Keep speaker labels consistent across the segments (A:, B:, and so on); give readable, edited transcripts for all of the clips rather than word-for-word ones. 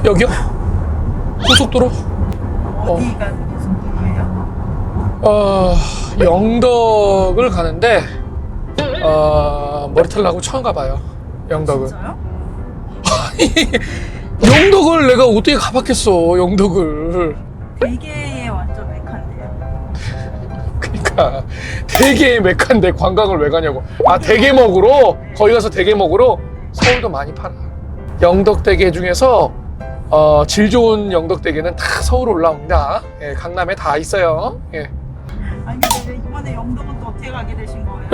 A: 여기요? 고속도로?
B: 어디가 고속도로예요?
A: 영덕을 가는데 머리털 나고 처음 가봐요. 영덕을.
B: 진짜요?
A: 영덕을 내가 어떻게 가봤겠어. 영덕을.
B: 되게 완전 메카인데요.
A: 그러니까 되게 메카인데 관광을 왜 가냐고. 아, 대게 먹으러? 거기 가서 대게 먹으러? 서울도 많이 팔아. 영덕대게 중에서 질 좋은 영덕대게는 다 서울 올라옵니다. 예, 강남에 다 있어요. 예.
B: 아니 근데 왜 이번에 영덕은 또 어떻게 가게 되신 거예요?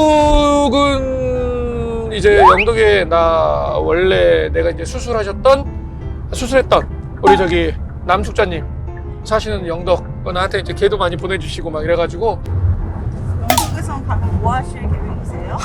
A: 영덕은 이제 영덕에 나 원래 내가 이제 수술했던 우리 저기 남숙자님 사시는 영덕 나한테 이제 걔도 많이 보내주시고 막 이래가지고
B: 영덕에선 가면 뭐 하실 계획이세요?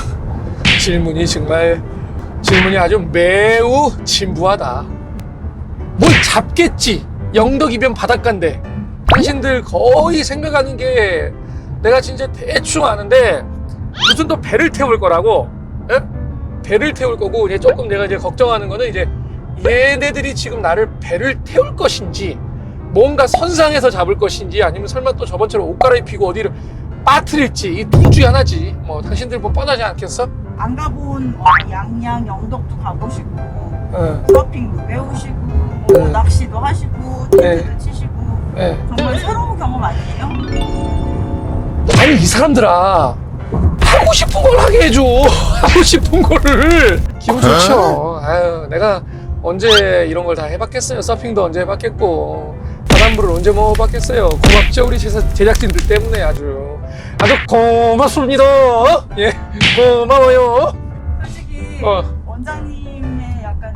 A: 질문이 아주 매우 진부하다. 뭘 잡겠지. 영덕이면 바닷가인데 당신들 거의 생각하는 게 내가 진짜 대충 아는데 무슨 또 배를 태울 거라고. 에? 배를 태울 거고 이제 조금 내가 이제 걱정하는 거는 이제 얘네들이 지금 나를 배를 태울 것인지 뭔가 선상에서 잡을 것인지 아니면 설마 또 저번처럼 옷 갈아입히고 어디를 빠뜨릴지 이 둘 중에 하나지. 뭐 당신들 뭐 뻔하지 않겠어?
B: 안 가본 양양, 영덕도 가보시고
A: 어.
B: 서핑도 배우시고 뭐 낚시도 하시고 텐트도 치시고
A: 네.
B: 정말 새로운 경험 아니에요?
A: 아니 이 사람들아 하고 싶은 걸 하게 해줘. 하고 싶은 거를. 기분 좋죠. 아유, 내가 언제 이런 걸 다 해봤겠어요. 서핑도 언제 해봤겠고 바람불을 언제 먹어봤겠어요. 고맙죠 우리 제작진들 때문에 아주 고맙습니다. 예, 고마워요.
B: 솔직히
A: 어.
B: 원장님의 약간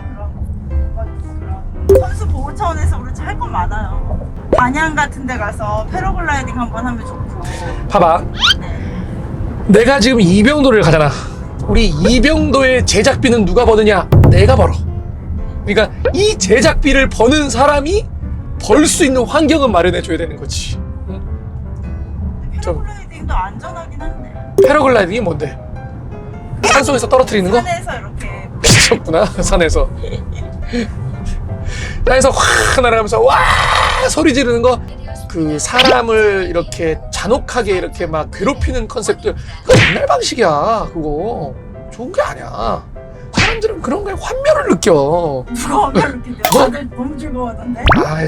B: 그런 선수 보호 차원에서 그렇지 할 건 많아요. 단양 같은 데 가서 패러글라이딩 한번 하면 좋고.
A: 봐봐.
B: 네.
A: 내가 지금 이병도를 가잖아. 우리 이병도의 제작비는 누가 버느냐? 내가 벌어. 그러니까 이 제작비를 버는 사람이 벌 수 있는 환경은 마련해 줘야 되는 거지. 응?
B: 패러글라이딩도 안전하긴 한데.
A: 패러글라이딩이 뭔데? 산속에서 떨어뜨리는 거?
B: 산에서 이렇게
A: 미쳤구나. 산에서 확 날아가면서 와 소리 지르는 거. 그 사람을 이렇게 잔혹하게 이렇게 막 괴롭히는 컨셉들 그거 옛날 방식이야. 그거 좋은 게 아니야. 사람들은 그런 거에 환멸을 느껴.
B: 누가 오면 느낀대요. 다들 너무 즐거워하던데.
A: 아이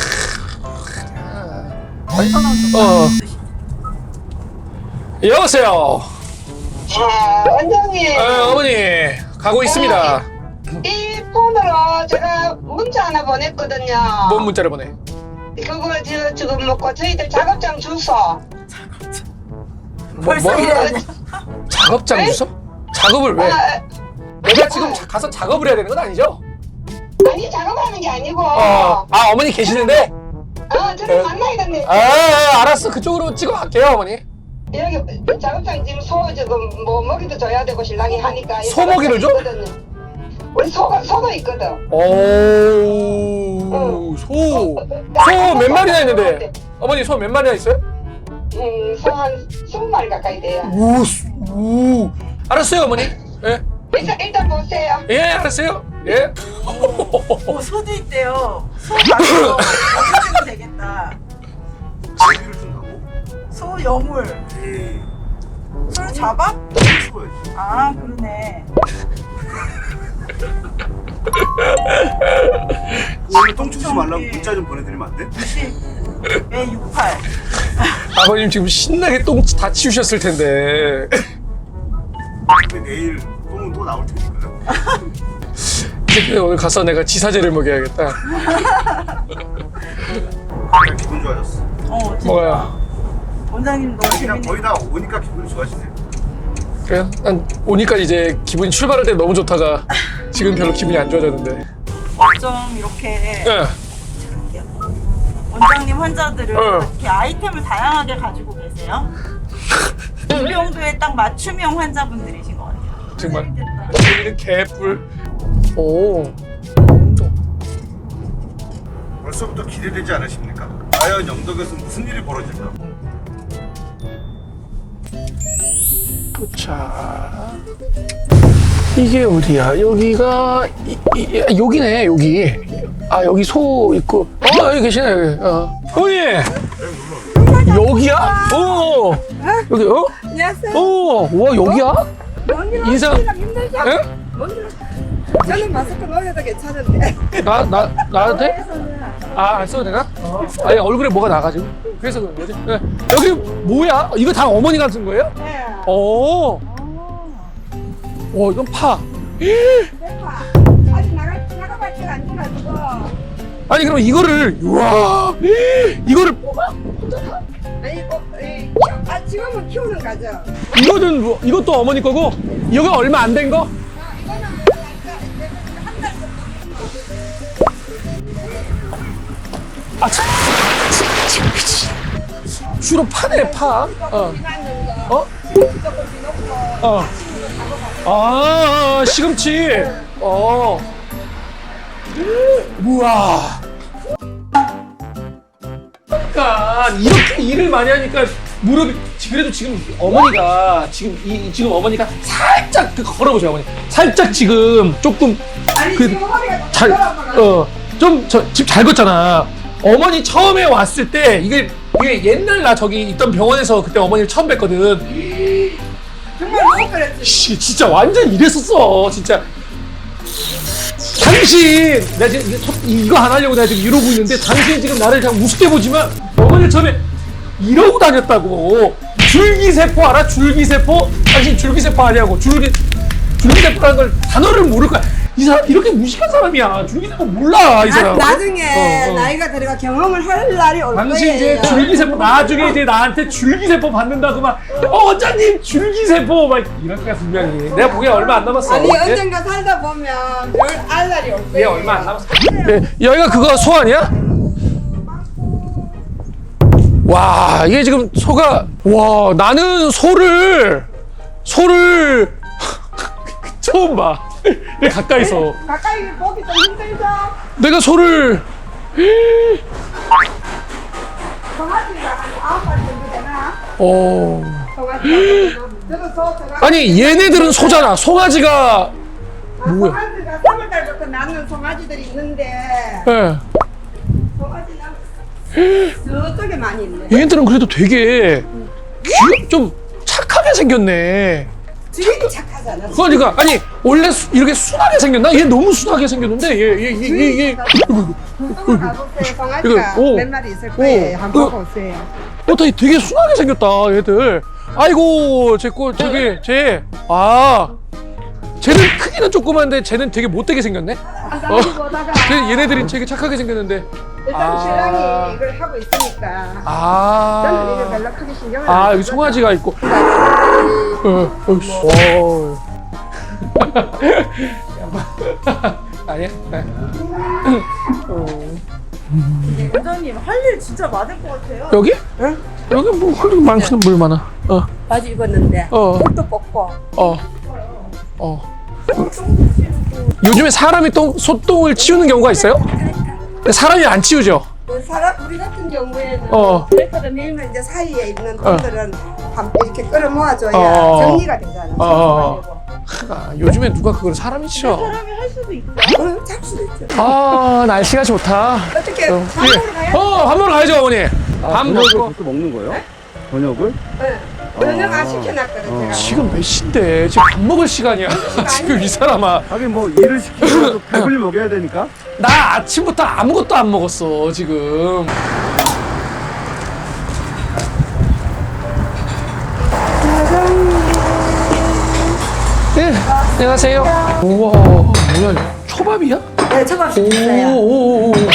A: 여보세요.
C: 원장님.
A: 어머니 가고 있습니다.
C: 이 폰으로 제가 문자 하나 보냈거든요.
A: 뭔 문자를 보내?
C: 그거 지금 먹고 저희들 작업장 주소.
B: 벌써 이래야 돼.
A: 작업장
C: 네?
A: 주소? 작업을 왜? 내가 지금 가서 작업을 해야 되는 건 아니죠?
C: 아니 작업하는 게 아니고.
A: 어머니 계시는데?
C: 저를 만나야겠네.
A: 알았어. 그쪽으로 찍어 갈게요, 어머니.
C: 여기 작업장 지금 소 지금 뭐 먹이도 줘야 되고 신랑이 하니까.
A: 소 먹이를 줘?
C: 있거든요. 우리 소도 있거든.
A: 소 몇 마리나 있는데? 어머니 소 몇 마리나 있어요?
C: 소 한 20마리 가까이 돼요.
A: 오. 알았어요, 어머니. 예.
C: 일단 보세요.
A: 예, 알았어요. 예.
B: 소도 있대요. 소 가서 먹으면 되겠다.
D: 고기를 준다고?
B: 소 여물.
D: 에이,
B: 소를 잡아?
D: 키워야지.
B: 아 그러네.
D: 오늘 똥 주지 말라고 문자 좀 보내드리면 안 돼?
B: 68.
A: 아버님 지금 신나게 똥 다 치우셨을 텐데.
D: 근데 내일 똥은 또 나올 테니까.
A: 이제 오늘 가서 내가 지사제를 먹여야겠다.
D: 그냥 기분 좋아졌어.
B: 진짜.
A: 뭐가요?
B: 원장님 너무
D: 그냥
B: 재밌네.
D: 거의 다 오니까 기분이 좋아지네.
A: 그래요? 난 오니까 이제 기분이 출발할 때 너무 좋다가 지금 별로 기분이 안 좋아졌는데.
B: 좀 이렇게
A: 예.
B: 원장님 환자들을
A: 어.
B: 이렇게 아이템을 다양하게 가지고 계세요. 이병도에 딱 맞춤형 환자분들이신 것 같아요.
A: 정말.
B: 재밌겠다.
A: 이런 개뿔. 오.
D: 벌써부터 기대되지 않으십니까? 과연 영덕에서 무슨 일이 벌어질까?
A: 자, 이게 어디야? 여기가 여기네. 여기 아 여기 소 있고 여기 계시네 여기 어머니 여기야? 여기
E: 안녕하세요.
A: 와 여기야? 인사
E: 힘들죠?
A: 예?
E: 저는 마스크 넣어도 괜찮은데.
A: 나한테? 안 써도 되나? 아니 얼굴에 뭐가 나가지고 그래서 그런 거지 네. 여기 뭐야? 이거 다 어머니가 쓴 거예요?
E: 네.
A: 이건 파
E: 대파. 아직 나가봤지가 안 돼가지고.
A: 아니 그럼 이거를 우와 이거를 뽑아?
E: 아니, 지금은 키우는 거죠.
A: 이거는 이것도 어머니 거고 이거 얼마 안 된 거?
E: 이거는 한 달 정도.
A: 주로 파네 파. 시금치. 우와. 그러니까 이렇게 일을 많이 하니까 무릎이 그래도 지금 어머니가 지금 어머니가 살짝 걸어보세요 어머니. 살짝 지금 조금
E: 아니, 지금 허리가
A: 잘 지금 잘 걷잖아. 어머니 처음에 왔을 때 이게 옛날 나 저기 있던 병원에서 그때 어머니를 처음 뵀거든.
E: 정말 너무 그랬지.
A: 진짜 완전 이랬었어 진짜. 당신 내가 지금 이거 안 하려고 내가 지금 이러고 있는데 당신 지금 나를 그냥 우습게 보지만 어머니를 처음에 이러고 다녔다고. 줄기세포 알아? 줄기세포? 당신 줄기세포 아니냐고. 줄기세포라는 걸 단어를 모를 거야. 이 사람 이렇게 무식한 사람이야. 줄기세포 몰라 이 사람.
E: 나중에 나이가 들어가 경험을 할 날이 올 거예요.
A: 당신 이제 줄기세포 나중에 이제 나한테 줄기세포 받는다고 막 원장님 줄기세포 막 이럴 거야 분명히. 내가 보기엔 얼마 안 남았어.
E: 아니,
A: 예?
E: 언젠가 살다 보면 별 알 날이 올
A: 얘
E: 거예요.
A: 얼마 안 남았어. 네, 여기가 그거 소 아니야? 와 이게 지금 소가 와 나는 소를 처음 봐. 내 가까이서
E: 가까이 보기 좀 힘들죠?
A: 내가 소를
E: 송아지가 한 9마리 정도 되나?
A: 어
E: 저도 송아지.
A: 아니 얘네들은 소잖아. 송아지가 뭐야?
E: 송아지가 3월달부터 낳는 송아지들이 있는데
A: 예.
E: 송아지는 저쪽에 많이 있네.
A: 얘네들은 그래도 되게 좀 착하게 생겼네.
E: 주인이 착하잖아.
A: 그러니까 아니 원래 이렇게 순하게 생겼나? 얘 너무 순하게 생겼는데 얘
E: 한번 가보세요. 송아지가
A: 이거,
E: 몇 마리 있을 거예요. 한번 보세요.
A: 되게 순하게 생겼다 얘들. 아이고 쟤는 크기는 조그만데 쟤는 되게 못되게 생겼네.
E: 보다가
A: 얘네들이 되게 착하게 생겼는데.
E: 일단 신랑이 이걸 하고 있으니까 저는 이거 별로 크게 신경을 안
A: 여기
E: 써서
A: 송아지가 있고. 아니야?
B: 원장님 할 일 진짜 많을 것 같아요.
A: 여기? 여기 뭐 헐리 많기는 물 많아.
E: 바지 입었는데 옷도 벗고
A: 요즘에 사람이 소똥을 치우는 경우가 있어요? 근데 사람이 안 치우죠?
E: 우리 같은 경우에는
A: 어.
E: 트랙터를 밀면 이제 사이에 있는 돈들은 이렇게 끌어 모아줘야 정리가 되잖아.
A: 요즘에 누가 그걸 사람이 치워?
B: 사람이 할 수도 있죠.
E: 잡 수도 있죠.
A: 날씨가 좋다.
E: 어떻게 밥 먹으러 가야 돼?
A: 밥 먹으러 가야죠 어머니. 밥 먹고.
D: 그렇게 먹는 거예요? 저녁을?
E: 저녁 안 시켜놨거든 제가.
A: 지금 몇 시인데 지금 밥 먹을 시간이야. 지금 이 사람아.
D: 하긴 뭐 일을 시키고 배불리 먹여야 되니까.
A: 나 아침부터 아무것도 안 먹었어 지금. 네, 안녕하세요. 우와, 뭐야, 초밥이야?
E: 네, 초밥 시켰어요.
A: 오.
E: 소주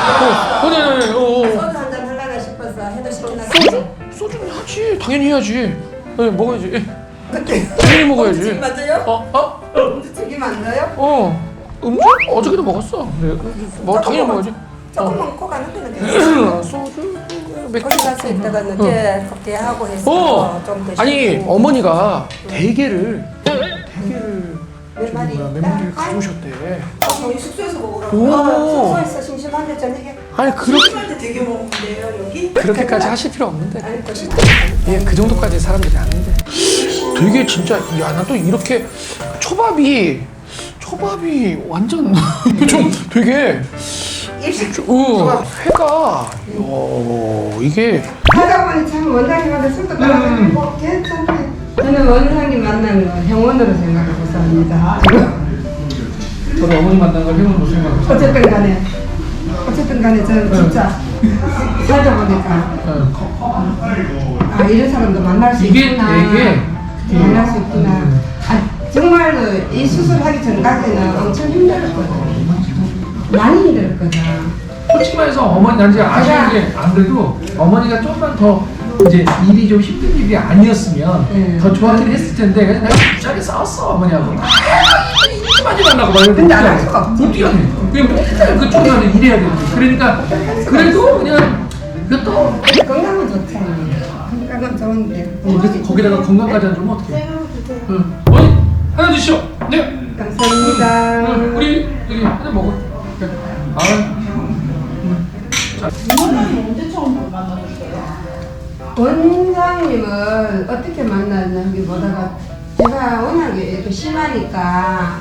E: 한잔 하려나 싶어서 해도 시켜놨어요.
A: 소주는 하지, 당연히 해야지. 네, 먹어야지.
E: 그때
A: 당연히 먹어야지.
E: 맞아요? 음주책이 맞나요?
A: 음주? 어저께도 먹었어. 네, 당연히 먹어야지.
E: 조금 먹고 가는 데는 괜찮아요.
A: 소주,
E: 어디 가서 이따가 늦게 커피하고 해서 좀 드시고.
A: 아니 어머니가 대게를
E: 몇 마리
A: 몇 마리를 가져오셨대.
E: 저희 숙소에서 먹으라고.
A: 오.
E: 숙소에서 심심한데 저녁에
A: 아니 그렇게
B: 한테 되게 먹는데요 여기?
A: 그렇게까지 하실 필요 없는데.
E: 아니 또
A: 그 정도까지 사람들이 아는데. 되게 진짜 나 또 이렇게 초밥이 완전 좀 되게
E: 일식
A: 회가 이게
E: 하다 보니 참 원장님한테 술도 따라드리고 괜찮대. 저는 원장님 만나는 거 행운으로 생각하고 삽니다.
A: 저도 어머니 만난 걸 행운으로 생각해요.
E: 어쨌든 간에 저는 진짜 살다 보니까 아 이런 사람도 만날 수
A: 이게
E: 있구나.
A: 되게
E: 만날 수 있구나. 아 정말로 이 수술하기 전까지는 엄청 힘들었거든. 많이 힘들었거든.
A: 솔직히 말해서 어머니 난 이제 아쉬운 게 안 그래도 어머니가 조금만 더 이제 일이 좀 힘든 일이 아니었으면 더 좋았긴 했을 텐데 그래서 내가 부자게 싸웠어 어머니하고 많이 만나고 막 이러는데
E: 근데 안 할 수가 없지.
A: 못 뛰었네. 그냥 맨날 그쪽 가서 일해야 되는데 그러니까 그래도 그냥 그것도
E: 건강은 좋잖아. 건강은 좋은데.
A: 그래서 거기다가 건강까지 안 좋으면 어떡해. 응. 어머니 하나 드시오. 네.
E: 감사합니다.
A: 우리 여기 하나 먹어. 그래.
B: 원장님 언제 처음 만나셨어요?
E: 원장님을 어떻게 만났는지보다가 제가 워낙에 이렇게 심하니까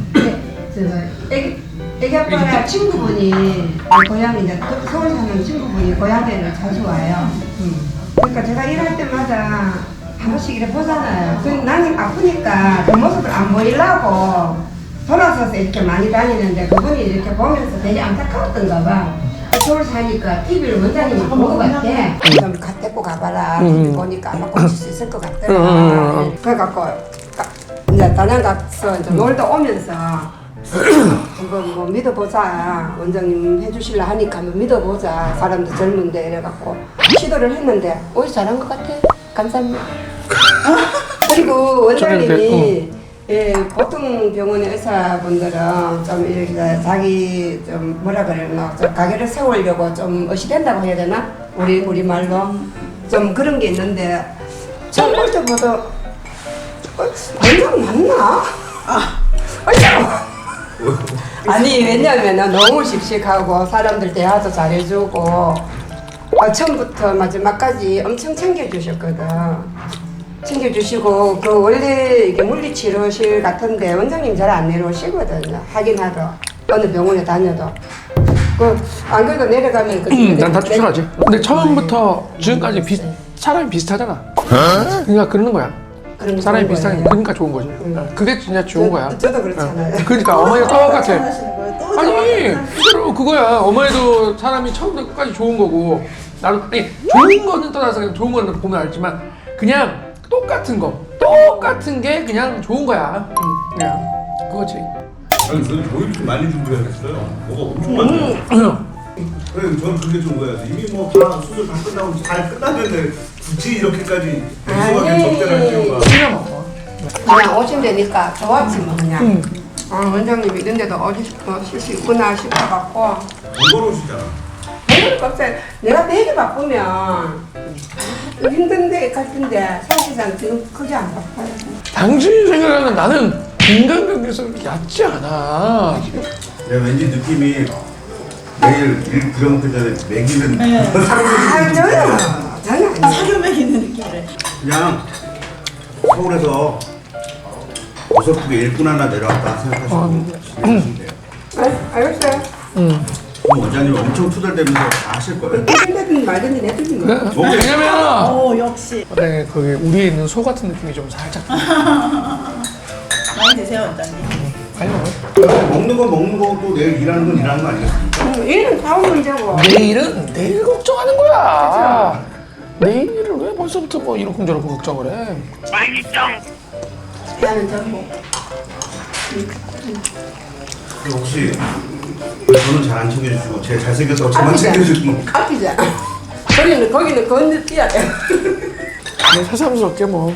E: 애기 아빠랑 친구분이 고향에 이제 서울 사는 친구분이 고향에를 자주 와요. 그러니까 제가 일할 때마다 한 번씩 이렇게 보잖아요. 그럼 나는 아프니까 그 모습을 안 보이려고 돌아서서 이렇게 많이 다니는데 그분이 이렇게 보면서 되게 안타까웠던가 봐. 서울 사니까 TV를 원장님이 본 것 같아. 좀 데리고 가봐라. TV 보니까 아마 고칠 수 있을 것 같더라. 그래갖고 이제 단양 가서 이제 놀다 오면서 한번 뭐 믿어보자. 원장님 해주실라 하니까 한번 믿어보자. 사람도 젊은데 이래갖고 시도를 했는데 오히려 잘한 것 같아. 감사합니다. 그리고 원장님이 예, 보통 병원의 의사분들은 좀 이렇게 자기 좀 뭐라 그러나 좀 가게를 세우려고 좀 어시된다고 해야 되나? 우리 말로 좀 그런 게 있는데 좀 어쩔 보다 원장 맞나? 아니 왜냐면은 너무 씩씩하고 사람들 대화도 잘해주고 처음부터 마지막까지 엄청 챙겨주셨거든. 챙겨주시고 그 원래 이게 물리치료실 같은데 원장님 잘 안 내려오시거든요. 확인하러 어느 병원에 다녀도 그 안 그래도 내려가면
A: 난 다 추천하지. 근데 처음부터 지금까지 사람이 비슷하잖아. 그러니까 그러는 거야. 사람이 비슷하니까 그러니까 좋은 거지. 그게 진짜 좋은 거야.
E: 저도 그렇잖아요.
A: 그러니까 어머니가 똑같아.
B: 하시는 거예요? 또
A: 아니 실제로 그거야. 어머니도 사람이 처음부터 끝까지 좋은 거고 나도 아니 좋은 거는 떠나서 그냥 좋은 거는 보면 알지만 그냥 똑같은 게 그냥 좋은 거야. 그냥 그거지.
D: 아니 저는 조입 좀 많이 준비해야겠어요. 뭐가 엄청 많아요. 그래 저는 그게 좋은 거예요. 이미 뭐 다 수술 다 끝나고 잘 끝났는데 굳이 이렇게까지 무서워하게 접대할 필요가.
E: 그냥 오신다니까 좋았지 뭐 그냥. 원장님 이런 데도 오실 수 있구나 싶어갖고
D: 번거로우시잖아.
E: 내가 되게 바쁘면 힘든데 같은데 사실상 지금 크게 안 바빠요.
A: 당신이 생각하는 나는 인간관계에서 그렇게 얕지 않아.
D: 내가 왠지 느낌이 내일 일 들어먹기 전에 먹이는
E: 아 저요 전혀
B: 사료 먹이는 느낌이래.
D: 그냥 서울에서 어설프게 일꾼 하나 내려왔다 생각하시면 돼요.
E: 알겠어요.
D: 그럼 원장님 엄청 투덜대면서 다 하실 거예요.
E: 힘들든 말든지 내든지 뭐.
A: 왜냐면
B: 오 역시
A: 네, 거기 우리에 있는 소 같은 느낌이 좀 살짝.
B: 많이 드세요 원장님.
A: 아니
D: 먹는 건 먹는 거고 내일 일하는 건 일하는 거 아니겠습니까?
E: 일은 다음 문제고.
A: 내일은 내일 걱정하는 거야. 내일을 왜 벌써부터 뭐 이러쿵저러쿵 걱정을 해?
E: 나는 전부.
D: 혹시 저는 잘 안 챙겨주시고 제 잘생겼다고 저만 챙겨주시는 거
E: 아끼자. 거기는 건너뛰어야 돼.
A: 그냥 새삼스럽게 뭐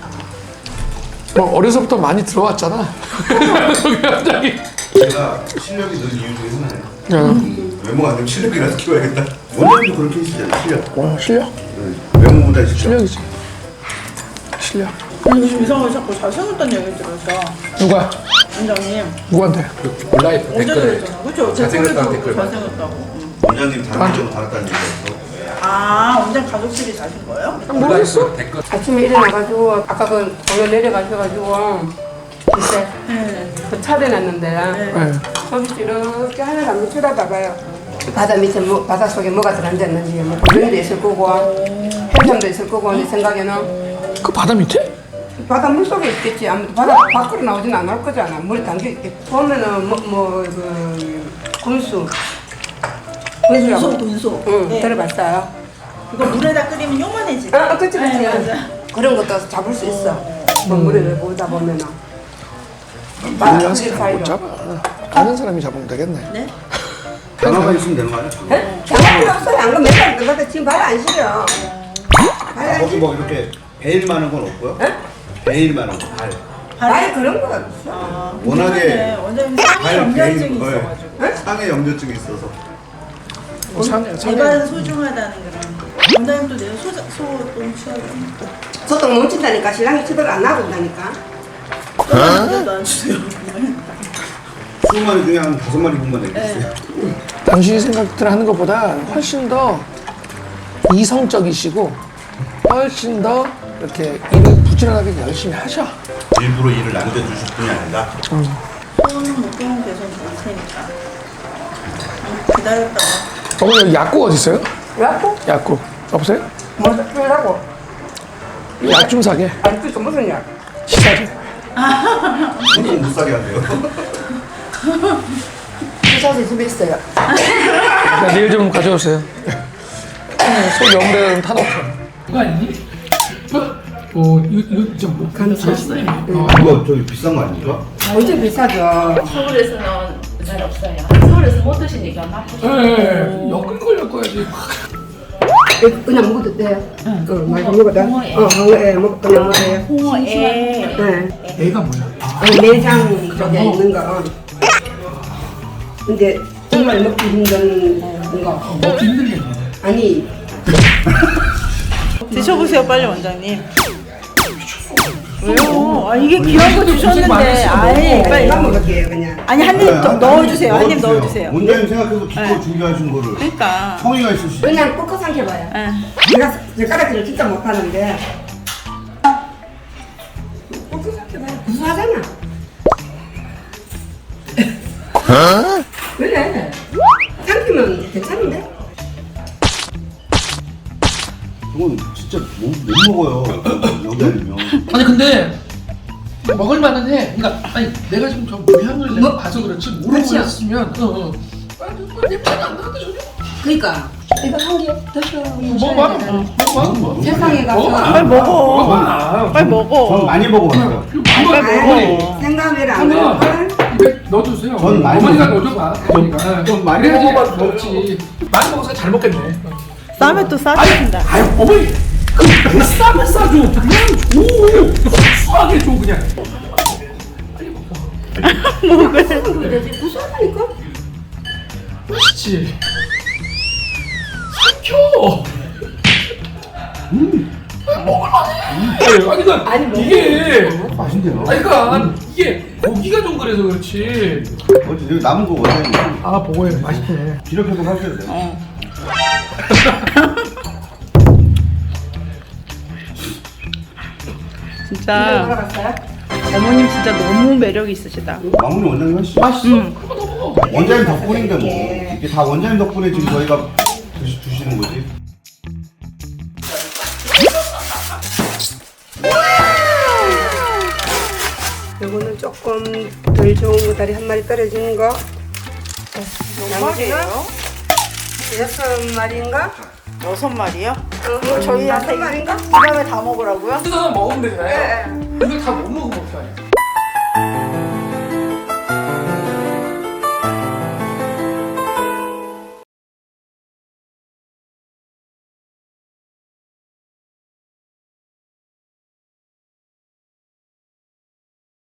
A: 어려서부터 많이 들어왔잖아. 갑자기.
D: 제가 실력이 늘 이유 중에 하나예요. 외모가 안 되면 실력이라도 키워야겠다. 원장님도 그렇게 하시잖아요. 실력.
A: 실력?
D: 네. 외모보다 실력.
A: 실력이지. 실력.
B: 아니 요즘 이상하게 자꾸 잘생겼다는 얘기 들었어.
A: 누가?
B: 원장님
A: 누구한테?
F: 온라인
B: 어제
F: 댓글에
B: 그랬잖아. 그쵸?
F: 잘생겼다는 댓글
B: 잘생겼다고.
D: 원장님 다른 점 받았다는 얘기였어.
B: 아 원장 가족들이 사신 거예요?
A: 모르겠어.
F: 댓글
E: 아침에 일어나가지고 아까 그 공연 내려가셔가지고 이제
B: 네.
E: 그 차대 놨는데
A: 네.
E: 거기서 이렇게 하늘 한번 쳐다봐봐요. 바다 밑에 바다 속에 뭐가 들어앉았는지 뭐 고등도 있을 거고 햄삼도 있을 거고 내 생각에는
A: 그 바다 밑에?
E: 바다 물 속에 있겠지. 아무튼 바다 밖으로 나오진 않을 거잖아. 물에 담겨 있겠지. 보면은 그 군수.
B: 군소.
E: 응,
B: 네.
E: 들어봤어요.
B: 이거 물에다 끓이면 요만해지.
E: 그치.
B: 네, 맞아.
E: 그런 것도 잡을 수 있어. 뭐 물에 보다 보면은.
A: 몰라서 잘 못 잡아. 아는 사람이 잡으면 되겠네.
B: 네?
D: 장어만 있으면 되는 거 아니야?
E: 장갑 필요 없어요. 안 그러면 맨날 들어갔다 지금 발 안 시려. 발 안
D: 거기
E: 시려.
D: 뭐 이렇게 베일 많은 건 없고요? 베일 많은 거, 발.
E: 발 그런 거 없어.
B: 아,
D: 워낙에
B: 원장님 상해
D: 발
B: 염려증이
D: 베일,
B: 있어가지고.
D: 상해 염려증이 있어서.
B: 제발 소중하다는 그런. 원장님도 내일 소똥 취하겠네.
E: 소똥 뭉친다니까 신랑이 치도를 안 하고 있다니까.
B: 저도 안 주세요.
D: 20마리 중에 한 5마리 분만 내겠어요.
A: 당신이 생각들 하는 것보다 훨씬 더 이성적이시고 훨씬 더 이렇게 일을 부지런하게 열심히 하셔.
D: 일부러 일을 남겨주실 분이 아니라.
B: 소는 목표는 계속 볼 테니까. 기다렸다가.
A: 어머니 여기 약국 어디 있어요?
E: 약국?
A: 약국 없어요?
E: 뭐 쓰려고?
A: 약 좀 사게.
E: 아직도 무슨 약?
A: 시사제.
D: 보통 못 사게 한대요.
E: 주사제 집에 있어요.
A: 내일 좀 가져오세요. 소 영대는 타놓게. 이거 아니니? 이거 좀
E: 감사했어요.
D: 이거 저기 비싼 거 아닙니까?
E: 엄청 비싸죠.
F: 서울에서는 잘 없어요. 서울에서 못 드시니까 맛보시고.
A: 네, 엮은 걸 엮어야지.
E: 그냥 먹어도 돼요. 많이 먹어도. 홍어에 먹 그냥 먹어요.
F: 홍어에
E: 네.
A: 애가 뭐야?
E: 내장 쪽에 있는 거. 근데 정말 먹기 힘든 거.
A: 먹기 힘들겠네.
E: 아니
B: 드셔보세요 빨리 원장님. 왜요? 아 이게 귀한 거 주셨는데 아예 빨리.
E: 이만 먹을게요 그냥.
B: 아니 한 입 넣어주세요. 한 입 넣어주세요.
D: 원장님 생각해서 기껏 준비하신 거를
B: 그러니까.
D: 성의가 있으시죠?
E: 그냥 꾹꾹 삼켜봐요.
B: 예.
E: 내가 젓가락질을 진짜 못하는데 꾹꾹 삼켜봐요. 구수하잖아. 그래. 삼키면 괜찮은데?
D: 그건 진짜 못 먹어요. 여기 아니면.
A: 아니 근데 먹을 만은 해. 그러니까 아니 내가 지금 저 모양을 내가 봐서 그렇지
E: 그렇죠.
A: 모르겠으면 냄새가 안 나는데 전혀.
E: 그러니까 이거 한 개 드셔.
A: 먹어봐. 먹어봐.
E: 세상에 가서
B: 빨리 먹어.
A: 먹어봐.
B: 빨리 먹어.
D: 전 많이 먹어봤어요.
A: 먹어.
E: 생각을 안
A: 하나
E: 할
A: 입에 넣어주세요.
D: 전 많이
A: 어머니가
D: 먹어요.
A: 넣어줘봐. 어머니가.
D: 좀 많이
A: 그래야지
D: 먹어봐도
A: 먹지. 많이 먹어서 잘 먹겠네.
B: 쌈에 또 싸주신다.
A: 아니 어머니 그 비싸면 싸줘. 그냥 줘. 수하게 줘 그냥.
E: 먹을 되지 구수하다니까?
A: 맛있지. 삼켜. 먹을만해. 아니 그러니까 이게
D: 맛있네요.
A: 아니 그러니까 이게 고기가 좀 그래서 그렇지.
D: 어제 여기 남은 거 원장님
A: 아 보고해 맛있네.
D: 기록해서 하셔야 돼요.
B: 진짜
E: 돌아갔어요?
B: 어머님 진짜 너무 매력 있으시다.
D: 마무리 원장님 하시죠.
A: 맛있어. 그거 더 먹어.
D: 원장님 덕분인데 뭐 이게 다 원장님 덕분에 지금 저희가 드시는 거지.
E: 요거는 조금 덜 좋은 거 다리 한 마리 떨어지는 거. 나머지는 6마리인가?
B: 6마리요?
E: 저희
B: 저희한테
E: 6마리인가?
B: 그 다음에 다 먹으라고요?
A: 뜯어서 먹으면 되잖아요.
E: 네.
A: 이걸 다 못 먹으면 어떡하냐.